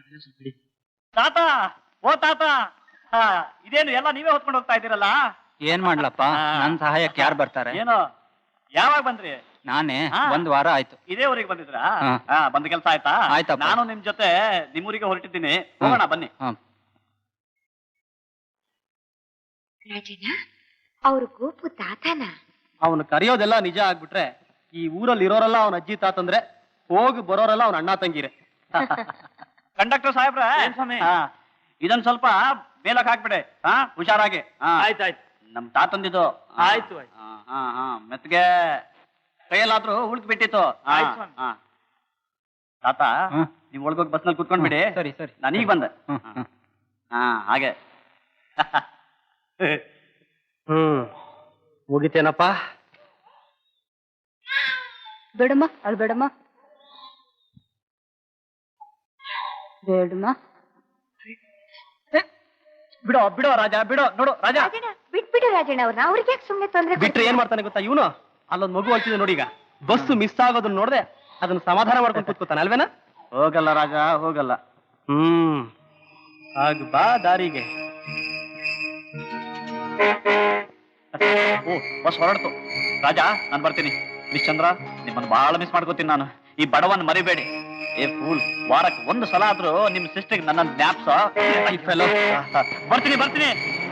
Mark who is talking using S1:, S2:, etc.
S1: ತಾತ, ಓ ತಾತ, ಇದೇನು ಎಲ್ಲ ನೀವೇ ಹೊತ್ಕೊಂಡು ಹೋಗ್ತಾ ಇದ್ದೀರಲ್ಲ?
S2: ಏನ್ ಮಾಡ್ಲಪ್ಪ, ನನ್ ಸಹಾಯಕ್ಕೆ ಯಾರು ಬರ್ತಾರೆ?
S1: ಏನೋ, ಯಾವಾಗ ಬಂದ್ರಿ?
S2: ನಾನೇ, 1 ವಾರ ಆಯ್ತು.
S1: ಇದೇ ಊರಿಗೆ ಬಂದಿದ್ರಾ?
S2: ಹಾ.
S1: ಬಂದ ಕೆಲಸ ಆಯ್ತಾ?
S2: ಆಯ್ತಪ್ಪ.
S1: ನಾನು ನಿಮ್ ಜೊತೆ ನಿಮ್ಮೂರಿಗೆ ಹೊರಟಿದ್ದೀನಿ, ಹೋಗೋಣ ಬನ್ನಿ.
S3: ರಾಜಣ್ಣ, ಅವ್ರು ಗೋಪು ತಾತನ?
S4: ಅವನು ಕರೆಯೋದೆಲ್ಲ ನಿಜ ಆಗ್ಬಿಟ್ರೆ ಈ ಊರಲ್ಲಿ ಇರೋರೆಲ್ಲ ಅವನ ಅಜ್ಜಿ ತಾತಂದ್ರೆ, ಹೋಗಿ ಬರೋರೆಲ್ಲ ಅವನ ಅಣ್ಣ ತಂಗಿರೆ.
S1: ಕಂಡಕ್ಟರ್ ಸಾಹೇಬ್ರ, ಇದೊಂದ್ ಸ್ವಲ್ಪ ಮೇಲಕ್ ಹಾಕ್ಬಿಡೆ, ಹುಷಾರಾಗಿ.
S4: ಆಯ್ತಾಯ್ತು.
S1: ನಮ್ ತಾತಂದಿದ್ದು.
S4: ಆಯ್ತು
S1: ಮೆತ್ಗೆ ಕೈಯಲ್ಲಾದ್ರೂ ಉಳ್ಕ್ ಬಿಟ್ಟಿತ್ತು. ತಾತ, ನೀವ್ ಒಳಗೋಗಿ ಬಸ್ನಲ್ಲಿ ಕುತ್ಕೊಂಡ್ಬಿಡಿ.
S2: ಸರಿ ಸರಿ,
S1: ನಾನೀಗ ಬಂದೆ. ಹಾಗೆ.
S4: ಮುಗಿತೇನಪ್ಪ?
S3: ಬೇಡಮ್ಮ, ಅಳ್ ಬೇಡಮ್ಮ, ಬೇಡಮ್ಮ.
S4: ಬಿಡೋ ಬಿಡೋ ರಾಜ, ಬಿಡೋ. ನೋಡು ರಾಜ,
S3: ರಾಜಣ್ಣ, ಬಿಟ್ಬಿಡು ರಾಜಣ್ಣ ಅವ್ರನ್ನ. ಅವ್ರಿಗೆ ಯಾಕೆ ಸುಮ್ನೆ ತೊಂದ್ರೆ
S4: ಬಿಟ್ರೆ ಏನ್ ಮಾಡ್ತಾನೆ ಗೊತ್ತಾ ಇವನು? ಅಲ್ಲೊಂದ್ ಮಗು ಹೋಗ್ತಿದೆ ನೋಡಿ, ಈಗ ಬಸ್ ಮಿಸ್ ಆಗೋದನ್ನ ನೋಡ್ದೆ ಅದನ್ನ ಸಮಾಧಾನ ಮಾಡ್ಕೊಂಡು ಕೂತ್ಕೋತಾನೆ ಅಲ್ವೇನಾ?
S1: ಹೋಗಲ್ಲ ರಾಜ, ಹೋಗಲ್ಲ.
S4: ಆಗ ಬಾ ದಾರಿಗೆ.
S1: ಬಸ್ ಹೊರಡ್ತು. ರಾಜ, ನಾನ್ ಬರ್ತೀನಿ. ಮಿಸ್ ಚಂದ್ರ, ನಿಮ್ಮನ್ನು ಬಹಳ ಮಿಸ್ ಮಾಡ್ಕೋತೀನಿ ನಾನು. ಈ ಬಡವನ್ ಮರಿಬೇಡಿ. ಏ ಫೂಲ್, ವಾರಕ್ಕೆ 1 ಸಲ ಆದ್ರೂ ನಿಮ್ ಸಿಸ್ಟರ್ಗೆ ನನ್ನ ಜ್ಞಾಪ್ಸ. ಬರ್ತೀನಿ ಬರ್ತೀನಿ.